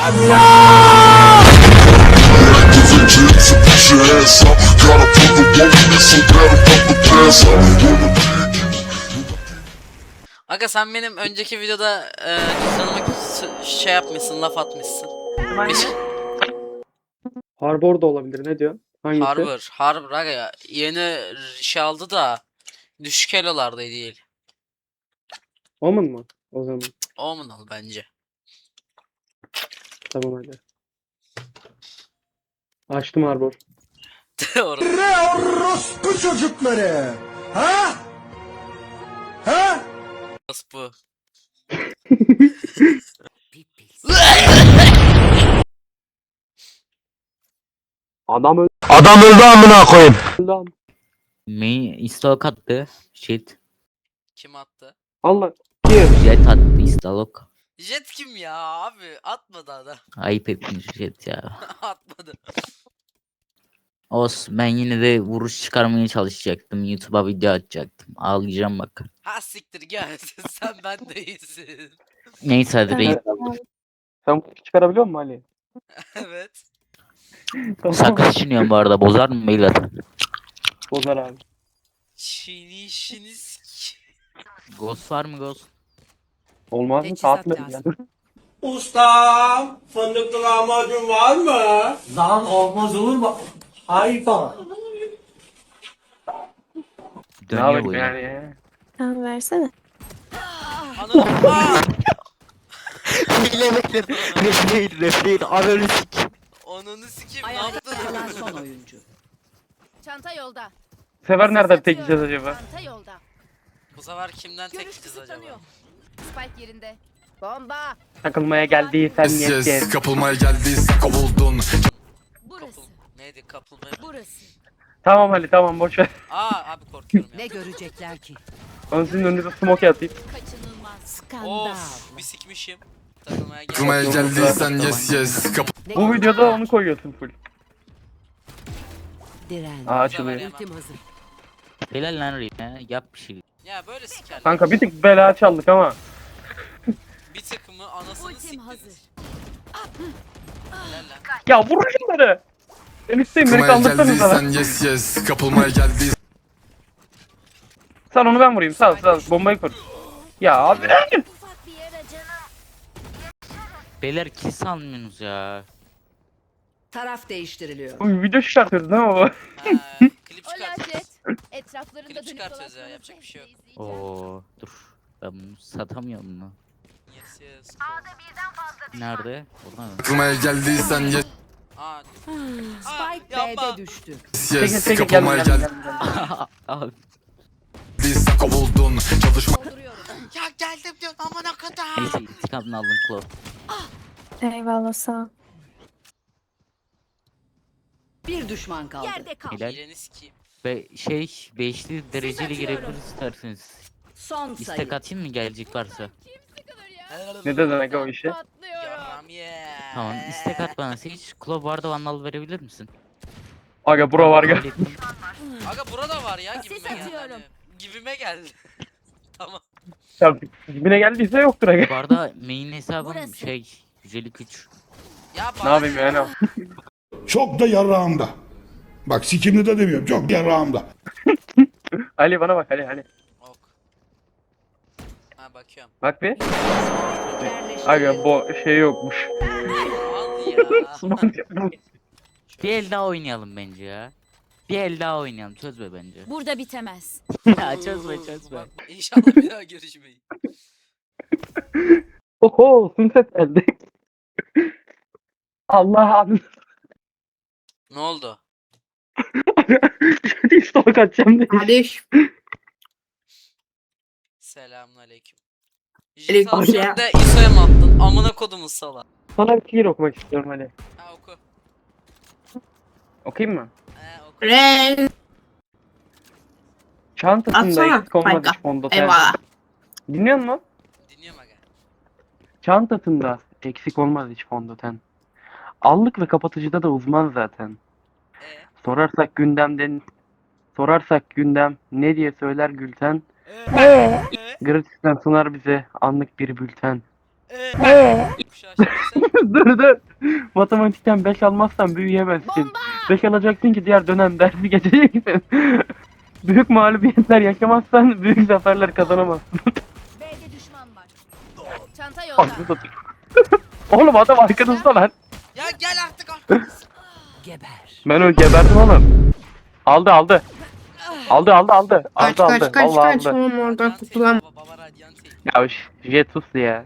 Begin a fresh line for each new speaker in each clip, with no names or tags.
Aga sen benim önceki videoda cüzdanıma şey yapmışsın, laf atmışsın.
Harbor da olabilir. Ne diyor? Hangisi?
Harbor aga ya. Yeni şey aldı da düşük elolarda değil.
Omen mı? O zaman.
Omen al bence.
Tamam hadi. Açtım Harbor.
Doğru.
Bu çocukları. Ha? Ha?
Nasıl bu?
Adam öldü.
Adam öldü amına koyayım.
Main istalok attı. Shit.
Kim attı?
Allah. Kim?
Jet attı istalok.
Jet kim ya abi? Atmadı adam.
Ayıp etmiş Jet ya.
Atmadı.
Ben yine de vuruş çıkarmaya çalışacaktım. YouTube'a video atacaktım. Ağlayacağım bak.
Ha siktir gel. Sen ben değilsin.
Neyse hadi reis.
Sen çıkarabiliyor musun Ali?
Evet.
Sakız çiğniyorum bu arada. Bozar mı beyler?
Bozar abi.
Çiğnişiniz.
Ghost var mı Ghost?
Olmaz mı?
Teçhizat
Saat mi?
lazım.
Ustam, fındıklı lahmacun var mı?
Lan olmaz olur mu? Hayvan.
Ne
Dönüyor
yapayım
bu
yani
yine.
ya?
Tamam versene.
Ananı. Aa!
Refleyin ananı sik.
Ananı sikeyim ne
Ayakta kalan
yaptın?
son oyuncu.
Çanta yolda.
Sever nereden tek gideceğiz acaba?
Çanta yolda.
Bu sefer kimden tek
Görüş
kız acaba?
kısıtlanıyor. Spike yerinde. Bomba.
Takılmaya geldiysen yetken.
Kapılmaya geldiysen kovuldun.
Burası.
Neydi kapılmaya?
Burası.
Tamam Ali tamam boş ver.
Aa abi korkuyorum
Ne
ya.
görecekler ki?
Ben sizin önünüze smoke atayım.
Kaçınılmaz.
Skandal.
Of bir sikmişim. Takılmaya gel.
Kapılmaya geldiysen yes.
Ne
Bu videoda onu koyuyorsun full.
Diren.
Aa açılıyor.
Ultim hazır.
Helal lan reis. Yap bir şey.
Ya böyle sikerler.
Kanka bir tık bela çaldık ama.
Bir tıkımı anasını
Ultim
siktiniz.
hazır.
Helal lan.
Ya vurun şunları. Ben isteyim beni
Kapılmaya
kaldırsanız da.
geldiysen yes. Kapılmaya geldiysen.
Sal onu ben vurayım sal bombayı kur. Ya abi.
Ufak bir yere canım.
Beyler kiss almıyorsunuz ya.
Taraf değiştiriliyor.
Bu video çıkartıyoruz değil mi bu?
Ha, klip
Ola
çıkart.
jet. Etraflarında
Klip
dönüp
çıkartıyoruz ya,
dolaşmanın
yapacak bir şey yok.
zevkini izleyeceğim.
Oo dur. Ben bunu satamıyorum mu?
Yes yes.
Nerede? Burada mı?
Kapılmaya geldiysen yes.
Aa.
Spike
yapma.
B'de düştü.
Çekil
Kapılmaya
gel.
Abi.
geldiysen kovuldun. Çalışma.
Dolduruyorum.
Ya geldim diyor amına kadar.
Neyse intikamını aldın Claw.
Eyvallah sağ ol.
Bir düşman kaldı.
Yerde kal.
Helal.
Hileni sikeyim.
Ve beşli dereceli girebilir isterseniz.
Son sayı.
İstek atayım mı gelecek varsa?
Ne dedin aga o işe?
Patlıyorum.
Yaram ye.
Tamam istek at bana Sage. Claw barda vandal verebilir misin?
Aga bura var ya.
Kabul ettim.
Aga burada var ya gibime
Ses
geldi.
atıyorum.
Hani. Gibime geldi. Tamam.
Ya dibine geldiyse yoktur aga.
Bu arada main hesabım
Burası.
şey 153.
Ya
Ne yapayım yani?
Çok da yarağımda. Bak sikimli de demiyorum. Çok yarağımda.
Ali bana bak Ali.
Ok. Ha bakıyorum.
Bak bir.
Yerleştirildi.
Aga bu şey yokmuş.
Al ya.
Bir el daha oynayalım bence ya. Bir el daha oynayalım çözme bence.
Burada bitemez.
Ya çözme.
Bak, İnşallah bir daha görüşmeyiz.
Oho sünset geldi. Allah'ım.
Ne oldu?
Şöyle stalk atacağım diye.
Selamünaleyküm.
Aleyküm
Jital
selam.
sen de İso'ya mı attın? Amına kodumun sala.
Sana bir şiir okumak istiyorum Ali.
Ha oku.
Okuyayım mı?
Oku.
Ren.
Çantasında
Atsana,
eksik olmadı
kanka.
hiç fondöten.
Eyvallah.
Dinliyor musun?
Dinliyorum aga.
Çantasında eksik olmaz hiç fondöten. Allık ve kapatıcıda da uzman zaten. Sorarsak gündem ne diye söyler Gülten.
Ee?
Gratis'ten sunar bize anlık bir bülten.
Kuşağı şimdi
Dur. Matematikten 5 almazsan büyüyemezsin. 5 alacaksın ki diğer dönem dersi geçeceksin. Büyük mağlubiyetler yaşamazsan büyük zaferler kazanamazsın.
B'de düşman var. Çanta
Anasını
yolda.
satayım. Oğlum adam arkanızda lan.
Ya gel artık arkamız.
Geber.
Ben öyle geberdim oğlum. Aldı. Aldı. Vallahi aldı.
Oğlum oradan kurtulam. Baba radyanti.
Ya Jetus ya.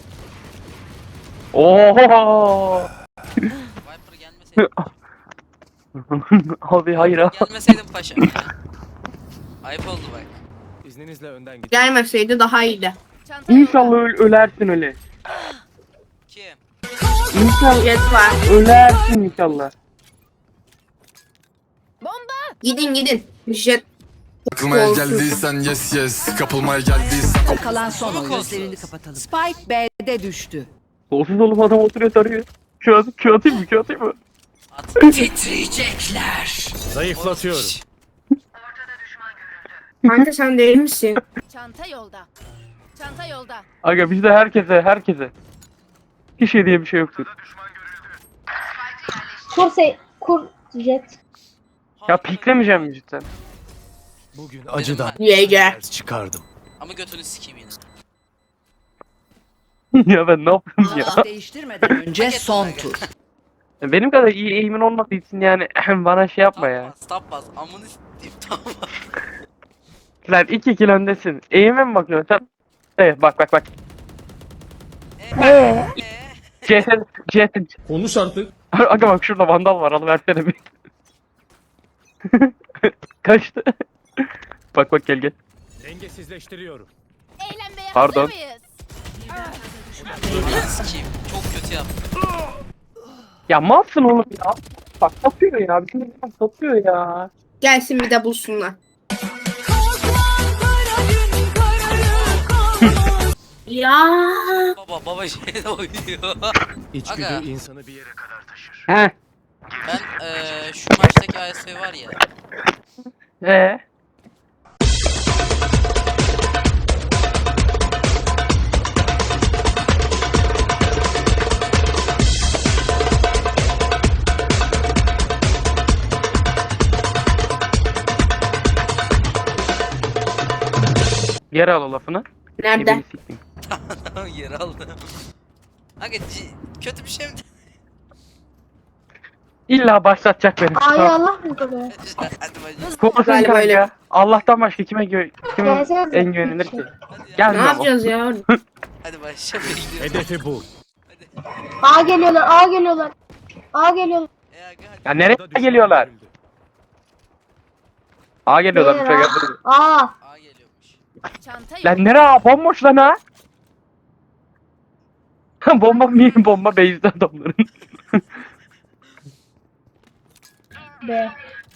Oho.
Viper gelmeseydi.
Abi hayır abi.
Gelmeseydin paşa. Ayıp oldu bak.
İzninizle önden gidin.
Gelmeseydi daha iyiydi.
Çanta
İnşallah
yolda.
ölersin öyle.
Kim?
İnşallah
Jet var.
ölersin inşallah.
Gidin. Jet.
Takılmaya
Olsun.
geldiysen yes kapılmaya geldiysen
Kalan son
Çok
oyuncu.
olsun.
Gözlerini kapatalım. Spike B'de düştü.
Kolsuz oğlum adam oturuyor tarıyor. Şu atayım mı?
At.
Titriyecekler.
Zayıflatıyorum.
Kanka sen değil misin?
Çanta yolda. Çanta yolda.
Aga bizde herkese. Hiç şey diye bir şey yoktur.
Kur jet.
Ya piklemeyeceğim mi cidden?
Bugün
acıdan
YG.
ders çıkardım.
Ama götünü sikeyim yine.
Ya ben ne yapıyorum ya?
Kılıç değiştirmeden önce son tur.
Benim kadar iyi eğimin olmadığı için yani bana şey yapma ya.
Tapmaz. Amını s**eyim tapmaz.
Lan 2 öndesin. Eğime mi bakıyorsun sen? Evet bak. CT.
Konuş artık.
Aga bak şurada vandal var alıversene bir. Kaçtı. Bak gel.
Dengesizleştiriyorum.
Eğlenmeye
Pardon.
hazır mıyız?
Amını sikeyim. Çok kötü yaptım.
Ya malsın oğlum ya. Bak satıyor ya. Bizim insan satıyor ya.
Gelsin bir de bulsunlar. Ya.
Baba şeyde oynuyor.
İçgüdü
Aga.
insanı bir yere kadar taşır.
He.
Ben şu maçtaki AS var ya.
Geri al o lafını.
Nerede?
Ebeni sikeyim.
Yer aldı. Aga kötü bir şey mi?
İlla başlatacak beni.
Ay Allah mı böyle?
Hadi bacım.
Korkun
Galiba
kanka.
öyle.
Allah'tan başka kime
Gelsene.
en güvenilir ki?
Hadi ya.
Gel
Ne
lan.
yapacağız ya?
Hadi başla bekliyorum.
Hedefi bul.
A geliyorlar. A geliyorlar.
Aga hadi.
Ya nereye geliyorlar? A geliyorlar.
Nereye
Şöyle
lan?
gel.
A.
A geliyormuş.
Çanta yolda.
Lan nereye? Bomboş lan ha. Bomba base'de adamların.
B.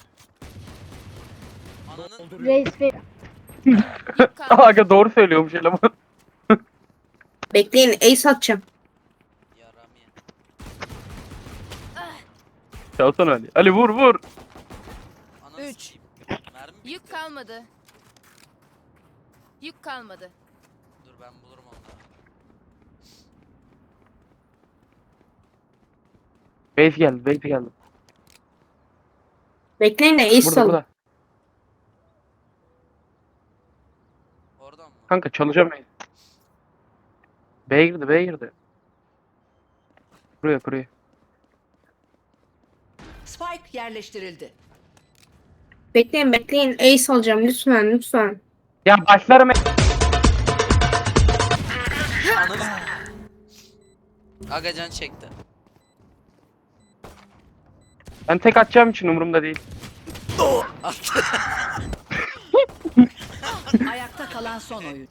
Ananın
Reis B.
Yük kaldı.
Aga doğru söylüyormuş eleman.
Bekleyin ace atacağım.
yaram ya.
Çalsana Ali. Ali vur.
Ananı
Üç.
sikeyim. Mermi bitti.
Yük kalmadı. Yük kalmadı.
Dur ben bulurum onları.
Base geldi.
Bekleyin de ace
Burada
alın.
burada.
Oradan mı?
Kanka çalacağım. B'ye girdi. Buraya.
Spike yerleştirildi.
Bekleyin ace alacağım lütfen.
Ya başlarım.
Ananı Aga can çekti.
Ben tek atacağım için umurumda değil.
Attı.
Ayakta kalan son oyun.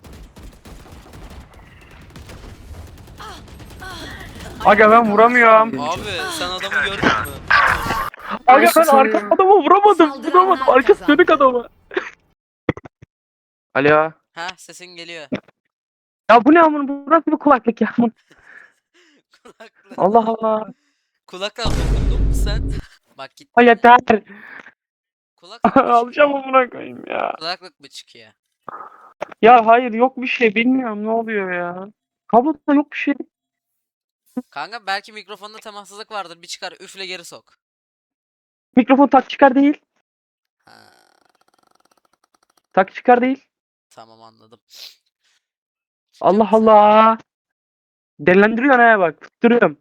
Aga ben vuramıyorum.
Abi sen adamı gördün mü?
Aga ben
Karşısında.
arka adama vuramadım. Arkası dönük adama. Alo.
Ha sesin geliyor.
Ya bu ne amın? Bu nasıl bir kulaklık ya?
Kulaklık.
Allah Allah.
Kulaklık dokundun mu sen? Bak git.
Ay yeter.
Kulaklık mı
Alacağım
çıkıyor?
amına koyayım ya.
Kulaklık mı çıkıyor?
Ya hayır yok bir şey bilmiyorum ne oluyor ya. Kabloda yok bir şey.
Kanka belki mikrofonda temassızlık vardır. Bir çıkar üfle geri sok.
Mikrofon tak çıkar değil.
Ha,
Tak çıkar değil.
tamam anladım.
Allah Allah. Delendiriyor ha bak. Tutturuyorum.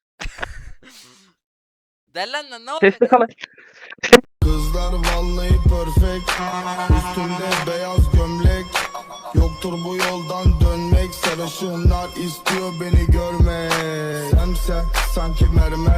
Dellen lan ne oldu?
Sesli kalan.
Kızlar vallahi perfect. Üstümde beyaz gömlek. Yoktur bu yoldan dönmek. Sarışınlar istiyor beni görmek. Sen sanki mermer.